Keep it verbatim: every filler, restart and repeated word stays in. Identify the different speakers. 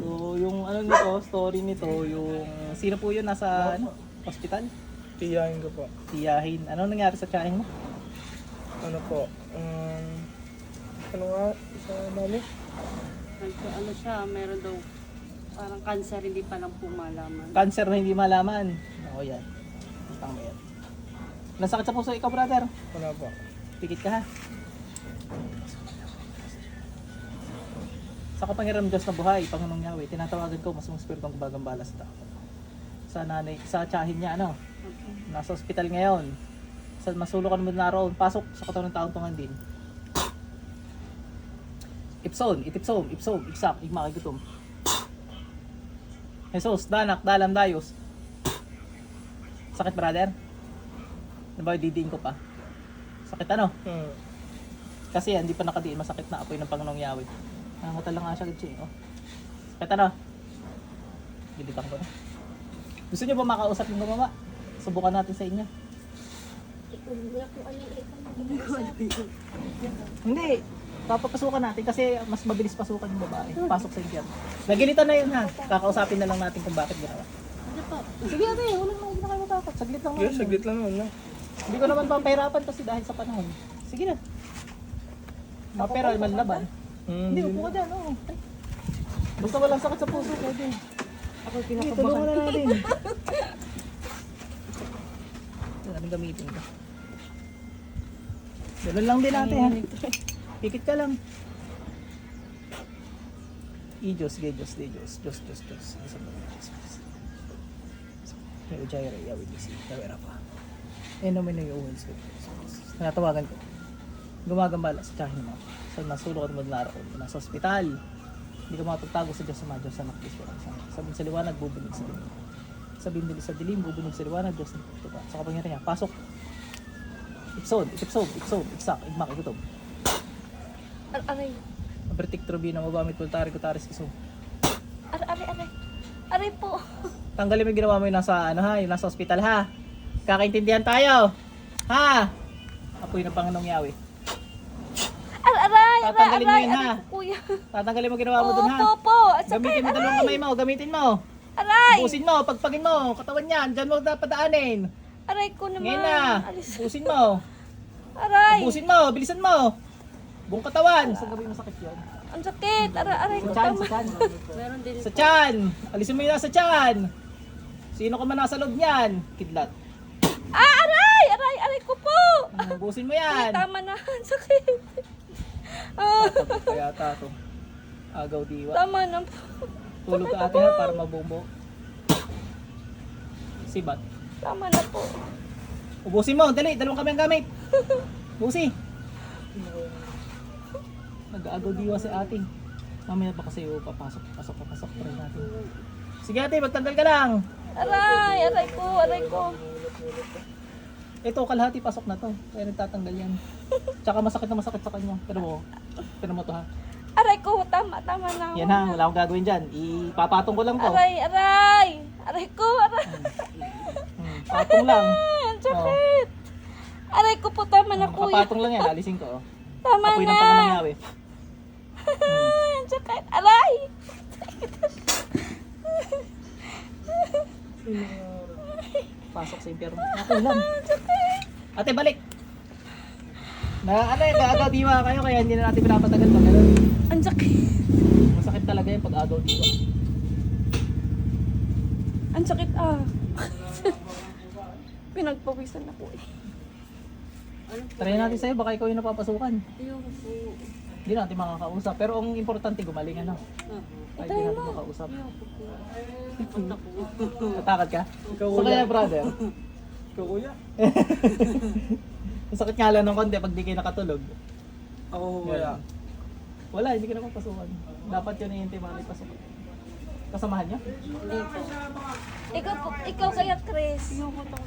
Speaker 1: So, yung ano nito, story nito, yung sino po yun nasa ano, hospital?
Speaker 2: Tiyahin ko po.
Speaker 1: Tiyahin. Ano nangyari sa tiyahin mo?
Speaker 2: Ano po? Um, ano nga? Sa mami?
Speaker 3: Nagka, ano siya, meron daw parang cancer, hindi pa lang po malaman.
Speaker 1: Cancer na hindi malaman. Ako yan. Tama yan. Nasakit sa puso ikaw, brother.
Speaker 2: Wala po.
Speaker 1: Pikit ka ha. Sa kapangyarihan ng Diyos na buhay, Panginoong Yahweh, tinatawagan ko mas mong spiritong gumagambala sa tao. Sa nanay, sa tiyahin niya, ano?
Speaker 3: Okay.
Speaker 1: Nasa ospital ngayon. Sa masulukan mo na roon, pasok sa katawan ng taong tungan din. Ipson, itipsom, ipsom, iksak, igmakigutom. Jesus, danak, dalam, dayos. Sakit, brother? Ano ba, didiin ko pa? Sakit ano?
Speaker 2: Hmm.
Speaker 1: Kasi hindi pa nakadiin, masakit na apoy ng Panginoong Yahweh. Nangangatal lang nga siya, Gitsi. Oh. Sakit ano? Gilitan ko na. Gusto niyo ba makausap yung gumama? Subukan natin sa inyo. Hindi. Papapasukan natin kasi mas mabilis pasukan yung babae. Pasok sa impyerno. Nagilitan na yun ha. Kakausapin na lang natin kung bakit ginawa.
Speaker 3: Ano po?
Speaker 1: Sige ate, walang mga na kayo matakot. Saglit lang
Speaker 2: Yes,
Speaker 1: naman.
Speaker 2: saglit lang naman na.
Speaker 1: Hindi ko naman papahirapan kasi dahil sa panahon. Sige na. Mapera, manlaban.
Speaker 2: Hmm.
Speaker 1: Hindi, upo ka dyan. Oo. Basta walang sakit sa puso, pwede.
Speaker 3: Ako yung
Speaker 1: Hindi, tulungan na natin. Ito natin gamitin ko. Ganun lang din natin ha. Pikit ka lang. I-Diyos, gay Diyos, gay Diyos, Diyos, Diyos, Diyos. Isang mga Diyos, Diyos. May ujayra, yawid, isi, tawera pa. Eh, naman na yung uwins ko. Natawagan ko. Gumagambala sa tiyahin mo. Sa nasulok at madlaro. Nasa ospital. Hindi ka makapagtago sa Diyos sa mga Diyos sa nakis. Sabihin sa liwanag, bubunig sa dilim. Sabihin din sa dilim, bubunig sa liwanag, Diyos na tupa. Sa kapangyarihan niya, pasok. Ipsod, itipsod, iksob, iksak, igmak, igutob.
Speaker 4: Aray,
Speaker 1: Abertik trobina, mabamit, pultari, kutaris, isob.
Speaker 4: aray, aray, aray. Aray po.
Speaker 1: Tanggalin mo yung ginawa mo yung nasa, ano ha, yung nasa ospital ha. Kakaintindihan tayo. Ha? Apoy ng Panginoong Yahweh.
Speaker 4: Aray, aray, aray,
Speaker 1: Tatanggalin mo
Speaker 4: aray,
Speaker 1: yun, ha?
Speaker 4: aray po, kuya.
Speaker 1: Tatanggalin mo ginawa mo dun ha.
Speaker 4: Opo, po. At sakit,
Speaker 1: Gamitin mo dalawang
Speaker 4: aray.
Speaker 1: kamay mo, gamitin mo.
Speaker 4: Aray.
Speaker 1: Busin mo, pagpagin mo, katawan yan, dyan mo dapat daanin.
Speaker 4: Aray ko naman.
Speaker 1: Ngayon na,
Speaker 4: Alis.
Speaker 1: busin mo.
Speaker 4: Aray.
Speaker 1: Busin mo, bilisan mo. Buong katawan. Saan gabi masakit yun?
Speaker 4: Ang sakit. Aray, aray ko
Speaker 1: Sa chan,
Speaker 4: tama.
Speaker 1: sa chan.
Speaker 3: Meron din
Speaker 1: Sa chan. Alisin mo yun nasa chan. Sino ka man nasa loob niyan? Kidlat.
Speaker 4: Ah, aray. Aray, aray ko po.
Speaker 1: Ah, busin mo
Speaker 4: Ay,
Speaker 1: yan.
Speaker 4: tama na. Ang sakit. Ah,
Speaker 1: Tatapos kaya tato. Agaw diwa.
Speaker 4: tama na po.
Speaker 1: Tulog ka ate ha para mabumbo. Sibat.
Speaker 4: Tama na po.
Speaker 1: Ubusin mo, dali, dalawang kami ang gamit. Busi. Nag-aagaw diwa si ate. Mamaya pa kasi oh, papasok, pasok, papasok. Try natin. Sige ate, magtanggal ka lang.
Speaker 4: Aray, aray ko, aray ko.
Speaker 1: Ito, kalahati pasok na to. Kaya nagtatanggal yan. Tsaka masakit na masakit sa kanya. Pero mo, pero mo to ha.
Speaker 4: Aray ko, tama, tama na.
Speaker 1: Yan ha, wala akong gagawin dyan. Ipapatong ko lang to.
Speaker 4: Aray, aray. Aray ko, aray.
Speaker 1: Hmm, patong lang.
Speaker 4: Ang sakit. Aray ko po, tama na kuya.
Speaker 1: Kapatong lang yan, alisin ko. Oh.
Speaker 4: Tama
Speaker 1: Apoy
Speaker 4: na.
Speaker 1: ng Panginoong Yahweh.
Speaker 4: Ang sakit. Aray.
Speaker 1: Pasok sa impyerno. Ako lang. Ate, balik. Na, ano eh, agaw diwa kayo kaya hindi na natin pinapatagal pag ganun.
Speaker 4: Ang sakit.
Speaker 1: Masakit talaga yung pag agaw diwa.
Speaker 4: Ang sakit ah. Pinagpawisan na po eh.
Speaker 1: Try natin sa'yo, baka ikaw yung napapasukan.
Speaker 3: Ayoko po.
Speaker 1: Hindi natin makakausap. Pero ang importante, gumaling ano.
Speaker 3: Ah,
Speaker 1: Ay, hindi natin makausap.
Speaker 3: ayoko po. Punta po.
Speaker 1: Natakad ka?
Speaker 2: Ikaw
Speaker 1: So kaya brother,
Speaker 2: Ikaw kuya?
Speaker 1: ang sakit nga lang ng konti pag di kayo nakatulog.
Speaker 2: Ako kuya.
Speaker 1: Wala, hindi ka napapasukan. Dapat yun yung timali pasukan. Kasamahan niyo?
Speaker 3: Hindi po.
Speaker 4: Ikaw po, ikaw kaya Chris.
Speaker 3: Ayoko to.